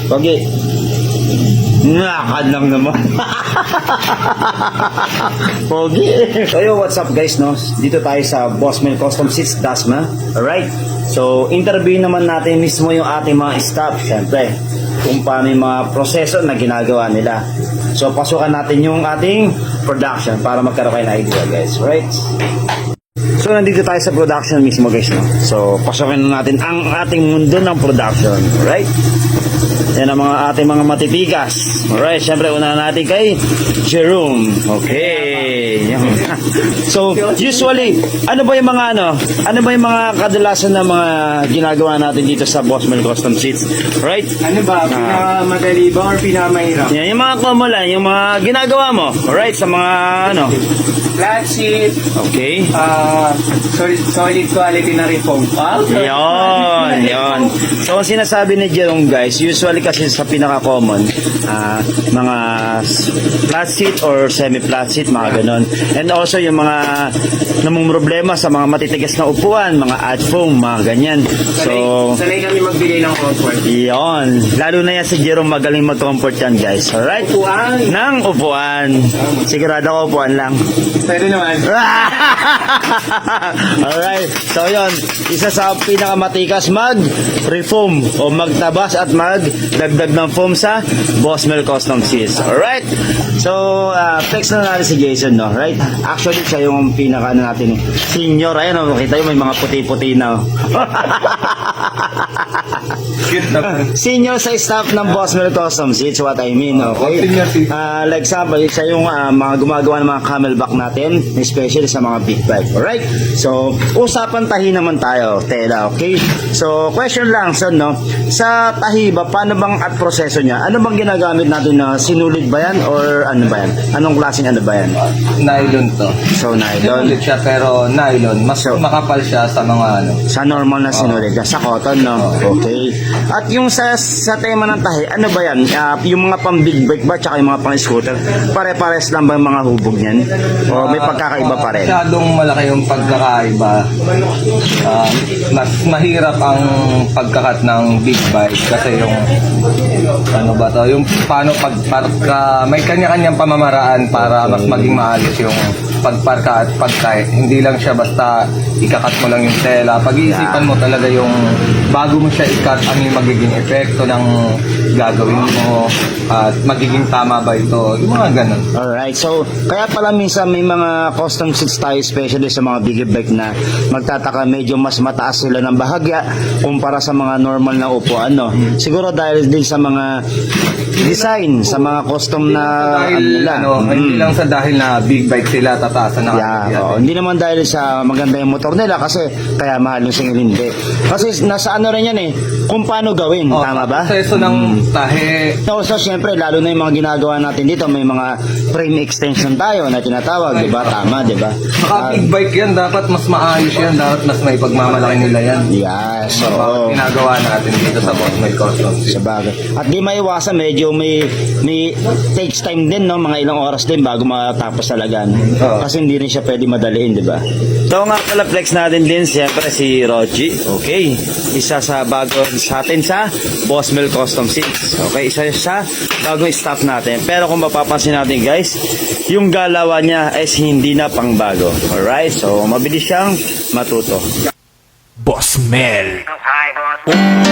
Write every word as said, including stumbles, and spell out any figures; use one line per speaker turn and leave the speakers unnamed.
Pogi. Nakakad lang naman. Pogi. So yo, what's up guys, no? Dito tayo sa Boss Mel Custom Seats, Dasma. Alright? So, interview naman natin mismo yung ating mga staff, syempre, kung paano yung mga proseso na ginagawa nila. So, pasukan natin yung ating production para magkaroon kayo ng idea, guys. Right? So, nandito tayo sa production mismo, guys, no? So, pasukin na natin ang ating mundo ng production. Right? Yan ang mga ating mga matitigas. Alright, syempre una natin kay Jerome. Okay. So, usually, ano ba yung mga ano? Ano ba yung mga kadalasan na mga ginagawa natin dito sa Boss Mel Custom Seats? Right?
Ano ba? Pinakamadali ba or pinakamahirap?
Yan, yung mga common lang, yung mga ginagawa mo. Alright, sa mga ano?
Flat sheet.
Okay.
Uh, solid, solid quality na rin foam pulp.
Yon, yon. So, ang sinasabi ni Jerome, guys, usually kasi sa pinaka-common, uh, mga flat sheet or semi-flat sheet, mga ganon. And also, yung mga namang problema sa mga matitigas na upuan, mga ad foam, mga ganyan. So,
sanay kami magbigay ng comfort.
yon. Lalo na yan si Jerome, magaling mag-comfort yan, guys. Alright?
Upuan.
Nang upuan. Sigurado ko upuan lang.
Pwede naman.
Alright. So, yon. Isa sa pinakamatikas mag-reform o magtabas at magdagdag ng foam sa Boss Mel Custom Seats. Alright. So, uh, flex na natin si Jason, no? Right? Actually, siya yung pinaka ano natin, senior. Ayan, no? Makita yun, may mga puti-puti na. Oh.
Cute na.
Senior sa staff ng Boss Mel Custom Seats, what I mean, okay? Uh, like example, siya yung uh, mga gumagawa ng mga camelback natin, especially sa mga big bike, alright? So, usapan tahi naman tayo, tela, okay? So, question lang, son, no? Sa tahi ba, paano bang at proseso niya? Ano bang ginagamit natin na sinulid ba yan or ano ba yan? Anong klaseng ano ba yan?
Nylon to.
So, nylon.
Sinulit siya pero nylon. Mas
So,
makapal siya sa mga ano.
sa normal na sinulid, uh, sa cotton, no? Okay. At yung sa sa tema ng tahi, ano ba yan? Uh, yung mga pang big bike ba, tsaka yung mga pang scooter, pare-pares lang ba yung mga hubog niyan? O may pagkakaiba pa rin?
Masyadong malaki yung pagkakaiba. Uh, mas mahirap ang pagkakat ng big bike kasi yung ano ba to, yung paano pag, pagka, may kanya-kanyang pamamaraan para mas maging maayos yung pagparka at pagkay. Hindi lang siya basta ikakat mo lang yung tela. Pag-iisipan mo talaga yung bago mo siya ikat, ano yung magiging epekto ng gagawin mo at magiging tama ba ito. Yung mga ganun.
Alright, so kaya pala minsan may mga custom seats tayo, especially sa mga big bike na magtataka medyo mas mataas sila ng bahagya kumpara sa mga normal na upuan, no? Siguro dahil din sa mga design, sa mga custom na
dahil,
ano nila.
ano,
Mm.
hindi lang sa dahil na big bike sila tataasan na
Yeah, oh, hindi naman dahil sa maganda yung motor nila kasi kaya mahal yung singil, hindi. Kasi nasa ano rin yan eh, kung paano gawin,
Oh,
tama ba?
proseso ng tahe.
So, so syempre, lalo na yung mga ginagawa natin dito, may mga frame extension tayo na tinatawag, di ba? Tama, di ba?
Saka
Ah,
big bike yan, dapat mas maayos yan, dapat mas may pagmamalaki nila yan.
yeah, so,
Bakit ginagawa natin dito sa Boss Mel Custom Seats.
sa bagay. At di maiwasan, medyo may, may takes time din, no? Mga ilang oras din bago matapos talaga. No?
Oo.
Kasi hindi rin siya pwede madaliin, di ba? So nga pala, flex natin din, siyempre si Roji. Okay. Isa sa bago sa atin sa Boss Mel Custom Seats. Okay, isa sa bagong staff natin. Pero kung mapapansin natin, guys, yung galawan niya is hindi na pang bago. Alright, so mabilis siyang matuto.
Boss Mel.
Hi, boss.